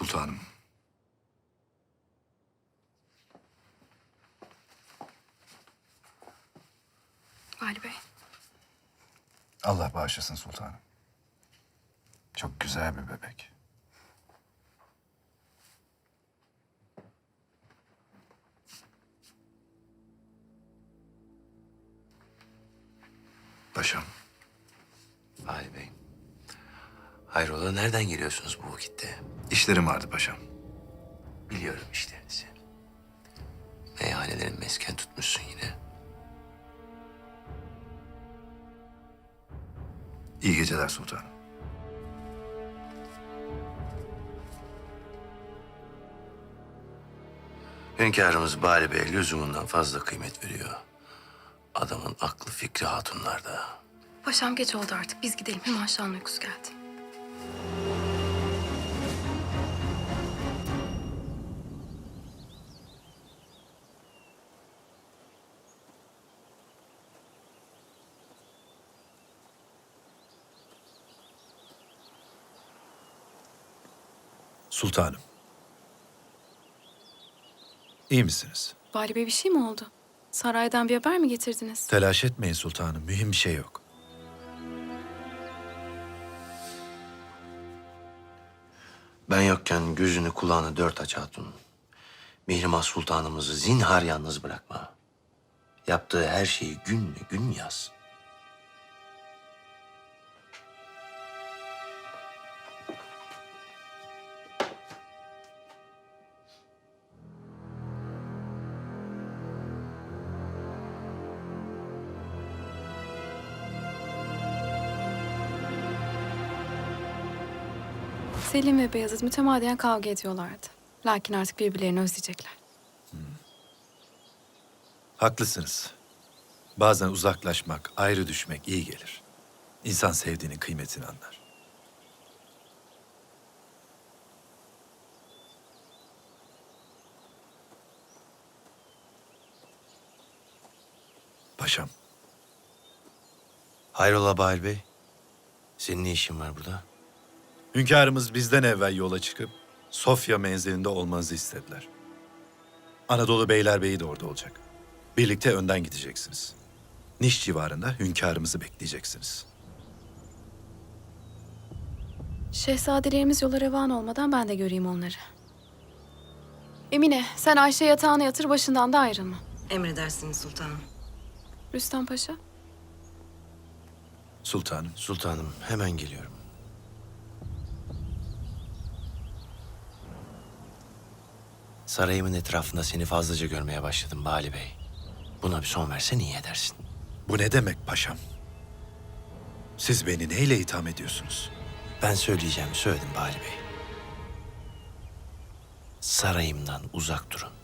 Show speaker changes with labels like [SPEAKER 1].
[SPEAKER 1] sultanım.
[SPEAKER 2] Vali Bey.
[SPEAKER 1] Allah bağışlasın sultanım. Çok güzel bir bebek. Paşam,
[SPEAKER 3] Vali Bey. Hayrola, nereden geliyorsunuz bu vakitte?
[SPEAKER 1] işlerim vardı paşam.
[SPEAKER 3] Biliyorum işlerinizi. Meyhanelerin mesken tutmuşsun yine.
[SPEAKER 1] İyi geceler sultanım.
[SPEAKER 3] Hünkârımız Bali Bey lüzumundan fazla kıymet veriyor. Adamın aklı fikri hatunlarda.
[SPEAKER 2] Paşam geç oldu artık. Biz gidelim. Hemen Şah'ın uykusu geldi.
[SPEAKER 4] Sultanım. İyi misiniz?
[SPEAKER 2] Vali Bey bir şey mi oldu? Saraydan bir haber mi getirdiniz?
[SPEAKER 4] Telaş etmeyin sultanım. Mühim bir şey yok.
[SPEAKER 3] Ben yokken gözünü kulağını dört aç hatun. Mihrimah Sultanımızı zinhar yalnız bırakma. Yaptığı her şeyi gün be gün yaz.
[SPEAKER 2] Selim ve Beyazıt mütemadiyen kavga ediyorlardı. Lakin artık birbirlerini özleyecekler.
[SPEAKER 4] Haklısınız. Bazen uzaklaşmak, ayrı düşmek iyi gelir. İnsan sevdiğinin kıymetini anlar. Paşam,
[SPEAKER 3] Hayrola Bahir Bey? Senin ne işin var burada?
[SPEAKER 4] hünkârımız bizden evvel yola çıkıp Sofya menzilinde olmanızı istediler. Anadolu Beylerbeyi de orada olacak. Birlikte önden gideceksiniz. Niş civarında hünkârımızı bekleyeceksiniz.
[SPEAKER 2] Şehzadelerimiz yola revan olmadan ben de göreyim onları. Emine, sen Ayşe yatağına yatır, başından da ayrılma.
[SPEAKER 5] Emredersiniz sultanım.
[SPEAKER 2] Rüstem Paşa.
[SPEAKER 4] Sultanım,
[SPEAKER 3] Sultanım, hemen geliyorum. Sarayımın etrafında seni fazlaca görmeye başladım Bali Bey. Buna bir son versen iyi edersin.
[SPEAKER 4] bu ne demek paşam? Siz beni neyle itham ediyorsunuz?
[SPEAKER 3] Ben söyleyeceğimi söyledim Bali Bey. Sarayımdan uzak durun.